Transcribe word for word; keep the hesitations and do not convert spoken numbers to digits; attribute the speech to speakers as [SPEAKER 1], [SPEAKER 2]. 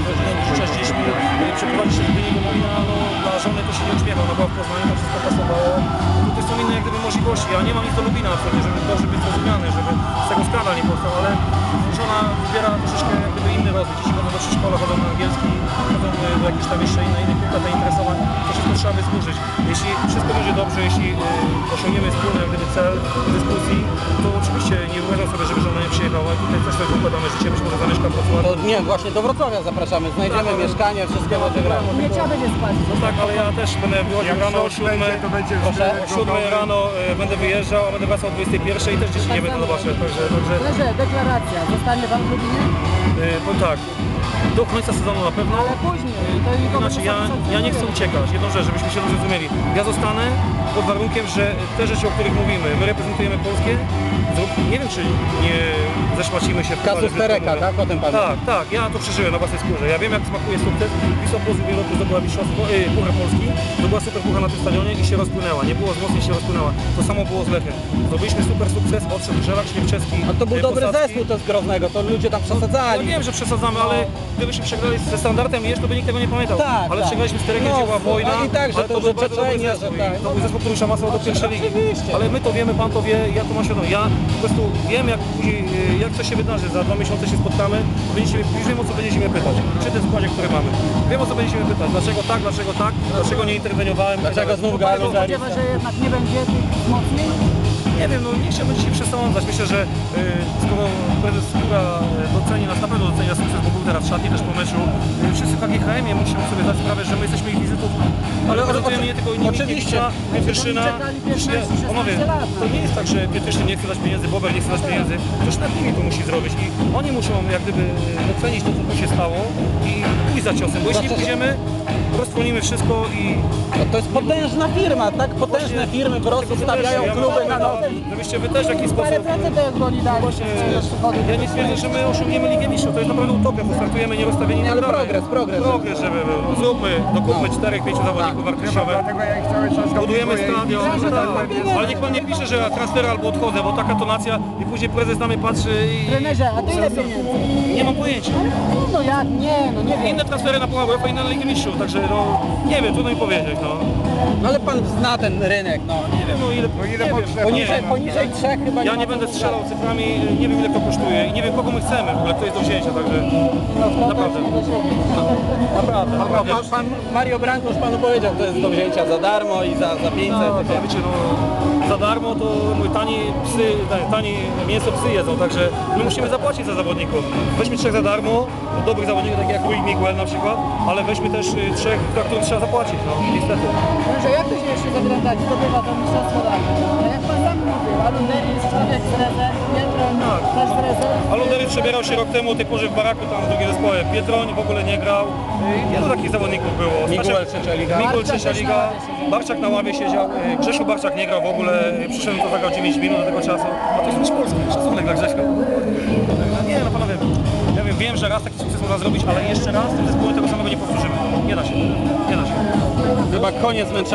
[SPEAKER 1] rodziną, dużo czas z dziećmi, przeprowadzić się z Gdyni do Lublina, no dla żony to się nie uśmiechał, no bo w Poznaniu tam wszystko pasowało. Tutaj są inne jak gdyby możliwości, ja nie mam nic do Lublina absolutnie, żeby dobrze być zrozumiany, żeby z tego skandal nie powstał, ale żona wybiera troszeczkę jak gdyby inny rozwój. Dzieci chodzą do przedszkola, chodzą na angielski, chodzą do jakichś tam jeszcze innych innych punktów zainteresowań. To wszystko trzeba wysłużyć. Jeśli wszystko będzie dobrze, jeśli y, osiągniemy wspólny jak gdyby cel dyskusji, to oczywiście nie wyobrażam sobie, żeby żona nie przyjechała. Tutaj też sobie układamy życie, być może zamieszka w Wrocławiu.
[SPEAKER 2] To nie, właśnie do Wrocławia zapraszamy, znajdziemy
[SPEAKER 1] tak,
[SPEAKER 2] mieszkanie, wszystkie będzie grać.
[SPEAKER 3] Nie trzeba będzie spać.
[SPEAKER 1] No tak, ale ja też będę wychodził rano o siódmej, o siódmej rano y, będę wyjeżdżał, a będę wracał o dwudziestej pierwszej i też dzieci nie będę zobaczył. Także, także
[SPEAKER 3] Leże, deklaracja. Zostanie pan w Lublinie?
[SPEAKER 1] y, powiem tak, do końca sezonu na pewno.
[SPEAKER 3] Ale później. To nikogo
[SPEAKER 1] Znaczy
[SPEAKER 3] nie
[SPEAKER 1] ja, ja nie chcę uciekać, jedną rzecz, żebyśmy się dobrze zrozumieli. Ja zostanę pod warunkiem, że te rzeczy, o których mówimy, my reprezentujemy Polskę, nie wiem czy nie zeszłacimy się w
[SPEAKER 2] Kasus Tereka, tak? O tym pan.
[SPEAKER 1] Tak, tak, ja to przeżyłem na własnej skórze. Ja wiem jak smakuje sukces. Wisła Płock w ubiegłym roku zdobyła mistrzostwo, yy, Puchar Polski, zdobyła super puchar na tym stadionie i się rozpłynęła. Nie było wzmocnień, się rozpłynęła. To samo było z Lechem. Zdobyliśmy super sukces, odszedł Żelak Śliwczewski.
[SPEAKER 2] A to był
[SPEAKER 1] yy,
[SPEAKER 2] dobry
[SPEAKER 1] Posadzki.
[SPEAKER 2] zespół to z Groznego, to ludzie tam
[SPEAKER 1] Ja
[SPEAKER 2] przesadzali.
[SPEAKER 1] wiem, że przesadzamy, ale gdybyśmy przegrali ze Standardem Mierz, to by nikt tego nie pamiętał.
[SPEAKER 2] Tak,
[SPEAKER 1] ale
[SPEAKER 2] tak.
[SPEAKER 1] przegraliśmy z Terekiem,
[SPEAKER 2] No,
[SPEAKER 1] gdzie była wojna,
[SPEAKER 2] a i tak, że
[SPEAKER 1] ale
[SPEAKER 2] to,
[SPEAKER 1] był
[SPEAKER 2] że
[SPEAKER 1] bardzo dobry
[SPEAKER 2] Czeczenia,
[SPEAKER 1] zespół.
[SPEAKER 2] że tak.
[SPEAKER 1] I to był zespół, który już awansował do pierwszej ligi.
[SPEAKER 2] Oczywiście.
[SPEAKER 1] Ale my to wiemy, pan to wie, ja to mam świadomość. Ja po prostu wiem, jak później, jak coś się wydarzy, za dwa miesiące się spotkamy, będziecie, już wiem o co będziecie mnie pytać, przy tym składzie, który mamy. Wiem o co będziecie mnie pytać, dlaczego tak, dlaczego tak, dlaczego nie interweniowałem.
[SPEAKER 2] Dlaczego znów Galu
[SPEAKER 3] Spodziewa, że jednak nie będzie tych wzmocnień?
[SPEAKER 1] Nie wiem, no nie chciałbym dzisiaj przesądzać. Myślę, że yy, skoro prezes Skóra doceni nas, na pewno doceni nas sukces, bo był teraz w szatni też po meczu. Yy, wszyscy w K G H M-ie musimy sobie zdać sprawę, że my jesteśmy ich wizytówką. Ale reprezentujemy nie tylko inni,
[SPEAKER 2] oczywiście.
[SPEAKER 1] Pietryszyna. Panowie, to nie jest tak, że Pietrzyszyn nie chce dać pieniędzy, Bober nie chce dać pieniędzy. Ktoś nad nimi to musi zrobić i oni muszą jak gdyby docenić to, co tu się stało i pójść za ciosem, bo jeśli nie pójdziemy, roztronimy wszystko i...
[SPEAKER 2] No to jest potężna firma, tak? Potężne firmy po prostu stawiają kluby na nogi.
[SPEAKER 1] Żebyście wy też w jakiś
[SPEAKER 3] Parę
[SPEAKER 1] sposób...
[SPEAKER 3] procent to jak oni dali.
[SPEAKER 1] Właśnie, ja nie twierdzę, że my osiągniemy Ligę Mistrzów, to jest naprawdę utopia, bo startujemy nierozstawieni.
[SPEAKER 2] Nie, ale progres, progres.
[SPEAKER 1] Progres, żeby był. Zróbmy, dokupmy czterech, pięciu zawodników wartościowych.
[SPEAKER 4] Dlatego ja ich cały czas
[SPEAKER 1] Budujemy
[SPEAKER 4] dopinguję i
[SPEAKER 1] stadion,
[SPEAKER 4] widzę, że
[SPEAKER 1] tak.
[SPEAKER 4] tak będzie.
[SPEAKER 1] Ale niech pan nie pisze, że ja transfer albo odchodzę, bo taka tonacja i później prezes na mnie patrzy i...
[SPEAKER 3] Trenerze, a to ile pieniędzy?
[SPEAKER 1] Nie mam pojęcia.
[SPEAKER 3] No jak? Nie, no nie wiem.
[SPEAKER 1] Inne transfery na Puchar UEFA, inne na Ligę Mistrzów, także no nie wiem, trudno mi powiedzieć, no.
[SPEAKER 2] No ale pan zna ten rynek, no.
[SPEAKER 1] Nie wiem, no ile,
[SPEAKER 4] No ile
[SPEAKER 1] nie wiem.
[SPEAKER 4] potrzeba?
[SPEAKER 2] Poniżej, poniżej trzech chyba
[SPEAKER 1] Ja
[SPEAKER 2] ma
[SPEAKER 1] nie będę
[SPEAKER 2] co
[SPEAKER 1] strzelał cyframi, nie wiem ile to kosztuje i nie wiem kogo my chcemy w ogóle, kto jest do wzięcia, także naprawdę. Naprawdę,
[SPEAKER 2] A
[SPEAKER 1] naprawdę.
[SPEAKER 2] pan, pan Mario Branko już panu powiedział, to jest do wzięcia za darmo i za, za pięćset.
[SPEAKER 1] No, to wiecie, no, za darmo to mój tani psy, tani mięso psy jedzą, także my musimy zapłacić za zawodników. Weźmy trzech za darmo, dobrych zawodników, takich jak Rui Miguel na przykład, ale weźmy też y, trzech, za których trzeba zapłacić, no niestety.
[SPEAKER 3] Trenerze, jak to się jeszcze zaglądać? Zdobywa to mistrzostwo dane. A jak pan sam mówił, Alunderi jest człowiek z rezerw, Pietron też z rezerw.
[SPEAKER 1] Alundery przebierał się rok temu o tej porze w baraku tam w drugim zespole. Pietroń w ogóle nie grał. Y, Wielu takich zawodników było.
[SPEAKER 2] Miguel trzecia liga.
[SPEAKER 1] Miguel trzecia liga. Barczak na ławie siedział. Y, Grzesiu Barczak nie grał w ogóle. Y, Przyszedłem, to zagrał dziewięć minut do tego czasu. A to jest już Polski. Szacunek dla Grześka. Nie no panowie. Ja wiem, wiem, że raz taki sukces można zrobić, ale jeszcze raz tym zespołem tego samego nie powtórzymy. Nie da się. Nie da się.
[SPEAKER 2] Chyba koniec męczenia.